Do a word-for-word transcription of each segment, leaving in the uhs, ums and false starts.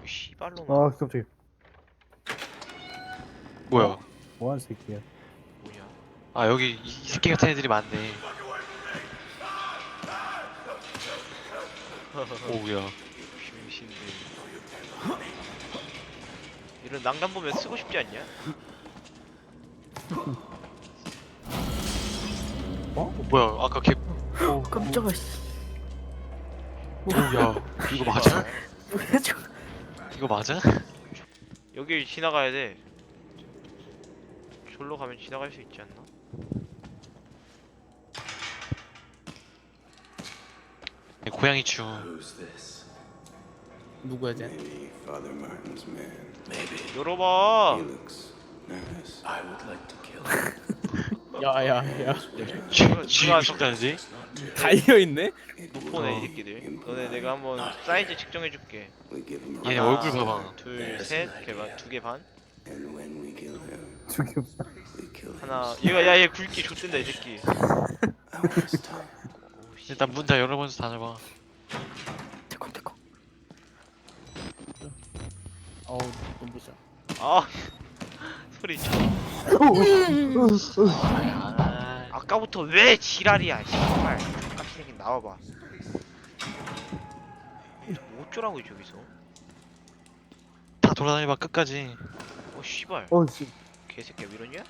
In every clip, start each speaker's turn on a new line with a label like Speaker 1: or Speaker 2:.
Speaker 1: 씨발로마.
Speaker 2: 아 깜짝이야.
Speaker 3: 뭐야?
Speaker 2: 어? 뭐하는 새끼야.
Speaker 1: 뭐냐?
Speaker 3: 아 여기 이, 이 새끼 같은 애들이 많네. 오우야.
Speaker 1: 병신들. 이런 난간 보면 쓰고 싶지 않냐?
Speaker 3: 어 뭐야? 아까 걔. 오,
Speaker 4: 깜짝아 씨.
Speaker 3: 오우야. 이거 맞아?
Speaker 4: 뭐야 저거.
Speaker 3: 이거 맞아?
Speaker 1: 여길 지나가야 돼. 졸로 가면 지나갈 수 있지 않나?
Speaker 3: 고양이 추.
Speaker 4: 누구야 쟤?
Speaker 5: Maybe Father Martin's man. Maybe
Speaker 1: 열어봐.
Speaker 5: he looks nervous. I would like to kill him.
Speaker 4: 야야야.
Speaker 3: 쥐 싶다는데?
Speaker 4: 달려있네?
Speaker 1: 못 보네 이 새끼들. 너네 내가 한번 사이즈 측정해줄게.
Speaker 5: We give him
Speaker 3: 얘네
Speaker 5: a
Speaker 3: 얼굴 봐봐.
Speaker 1: 둘, 셋, 개반, 두 개 반.
Speaker 5: and when we kill him,
Speaker 2: 죽여.
Speaker 5: we kill him.
Speaker 1: 하나. 얘가 야얘 굵기 좋댄다 이 새끼.
Speaker 5: I want his tongue.
Speaker 1: 오, 씨.
Speaker 3: 일단 문 다 열어보면서 다녀봐.
Speaker 4: 대콩대콩. 어우 눈부셔.
Speaker 1: 아 소리 쳐.
Speaker 3: 아,
Speaker 1: 아까부터 왜 지랄이야 씨발. 깜짝 새끼 나와봐. 어쩌라고 저기서.
Speaker 3: 다 돌아다녀봐 끝까지.
Speaker 1: 어 씨발.
Speaker 2: 어씨.
Speaker 1: 개새끼야 왜 이러냐?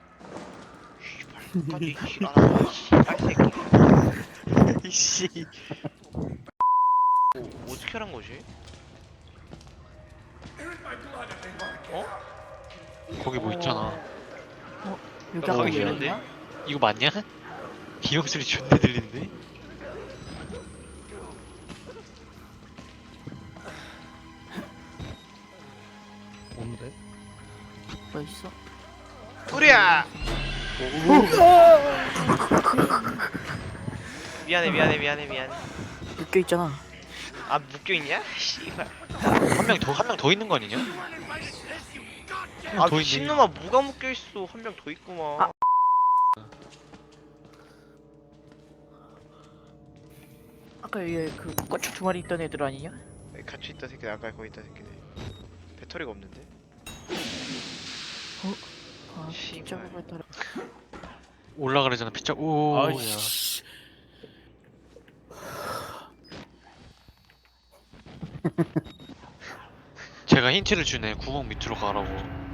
Speaker 1: 씨발 까지 지랄하고 씨발 새끼.
Speaker 3: 이씨.
Speaker 1: 뭐, 어떻게 하란 거지? 어?
Speaker 3: 거기 뭐 있잖아.
Speaker 4: 여기
Speaker 1: 나
Speaker 4: 아까
Speaker 1: 가기
Speaker 4: 왜
Speaker 1: 싫은데?
Speaker 4: 이러냐?
Speaker 3: 이거 맞냐? 비명 소리 존나 들리는데?
Speaker 4: 뭔데? 뭐 있어?
Speaker 1: 뿌리야! 미안해 미안해 미안해 미안해.
Speaker 4: 묶여 있잖아.
Speaker 1: 아 묶여있냐? 씨발.
Speaker 3: 한 명 더 한 명 더 있는 거 아니냐?
Speaker 1: 아
Speaker 3: 더 있네.
Speaker 1: 미친놈아 뭐가 묶여있어. 한 명 더 있구만.
Speaker 4: 아. 아까 위에 그 꼬치 두 마리 있던 애들 아니냐?
Speaker 1: 같이 있다 새끼들. 아까 거기 있다 새끼들. 배터리가 없는데?
Speaker 4: 아
Speaker 1: 씨발.
Speaker 4: 진짜 배터리.
Speaker 3: 올라가려잖아 피자. 오. 야.
Speaker 4: 아이씨.
Speaker 3: 제가 힌트를 주네. 구멍 밑으로 가라고.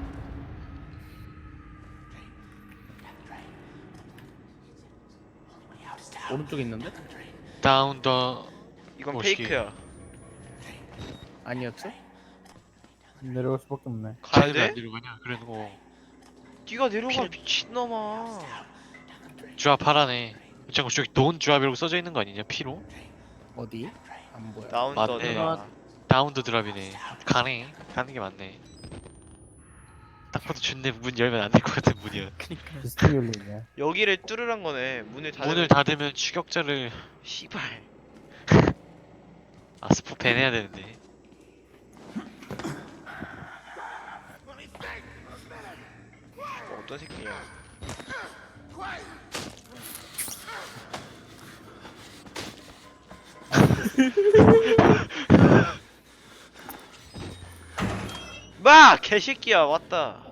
Speaker 4: 오른쪽에 있는데?
Speaker 3: 다운 더.
Speaker 1: 이건
Speaker 3: 멋있게.
Speaker 1: 페이크야.
Speaker 4: 아니었어?
Speaker 2: 내려갈 수밖에 없네.
Speaker 1: 가야
Speaker 3: 쟤네들 안
Speaker 1: 돼?
Speaker 3: 내려가냐? 그래도
Speaker 1: 네가 내려가
Speaker 3: 필-
Speaker 1: 미친놈아.
Speaker 3: 주압 하라네. 잠깐 저기 돈 주압이라고 써져 있는 거 아니냐? 피로?
Speaker 4: 어디? 안 보여.
Speaker 1: 다운
Speaker 3: 맞네.
Speaker 1: 더드라.
Speaker 3: 다운 더 드랍이네. 가네. 가는 게 맞네. 딱 봐도 존내 문 열면 안 될 것 같은 문이야.
Speaker 4: 그니까.
Speaker 2: 비스트 열리네.
Speaker 1: 여기를 뚫으란 거네. 문을 닫으면.
Speaker 3: 문을 닫으면 추격자를
Speaker 1: 씨발.
Speaker 3: 아 스포 밴해야 되는데.
Speaker 1: 어떤 새끼야? 마 개새끼야 왔다.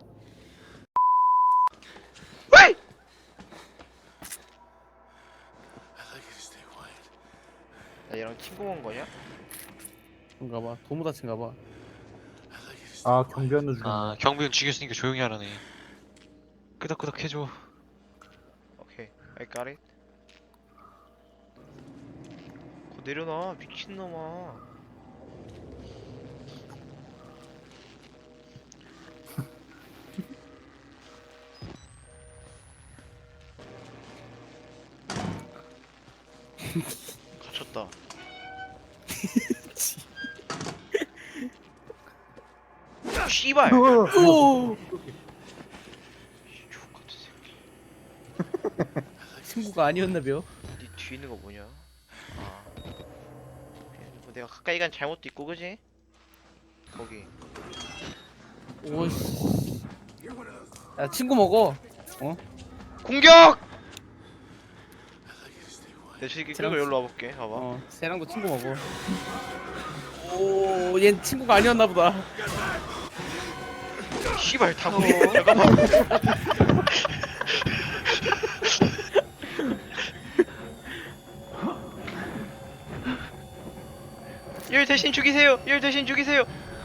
Speaker 1: 왜? 나 얘랑 친구 온 거냐?
Speaker 4: 그런가 봐. 도무다친가 봐.
Speaker 2: 아 경비원도 죽였네.
Speaker 3: 아 경비원 죽였으니까 조용히 하라네. 끄덕끄덕 해줘.
Speaker 1: 오케이, I got it. 거 내려놔 미친놈아. 갇혔다. 씨발.
Speaker 4: 오!
Speaker 1: 족 같은 새끼.
Speaker 4: 친구가 아니었나벼?
Speaker 1: 네 뒤에 있는 거 뭐냐? 아. 뭐 내가 가까이 간 잘못도 있고 그지? 거기.
Speaker 4: 오씨. 야 친구 먹어. 어?
Speaker 1: 공격! 내 새끼
Speaker 4: 쟤랑
Speaker 1: 끌고 여기로 와볼게. 봐봐.
Speaker 4: 어. 쟤랑도 친구 먹어. 오
Speaker 6: 얜 친구가 아니었나 보다.
Speaker 1: 씨발 다구리 잠깐만. 얘를 대신 죽이세요. 얘를 대신 죽이세요.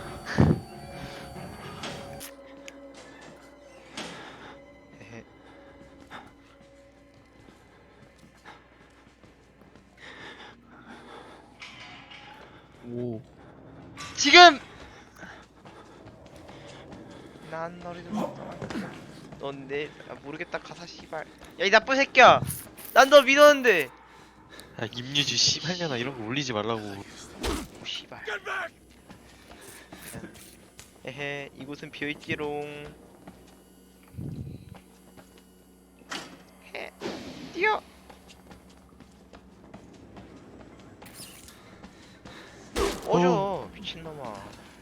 Speaker 1: 에헤.
Speaker 6: 오.
Speaker 1: 지금 난 너를 넌내 아, 모르겠다 가사 씨발. 야 이 나쁜 새끼야. 난 너 믿었는데.
Speaker 3: 야 임유주 씨발년아 이런 거 올리지 말라고.
Speaker 1: 오 씨발. 에헤 이곳은 비어있지롱. 해 뛰어. 꺼져 미친놈아.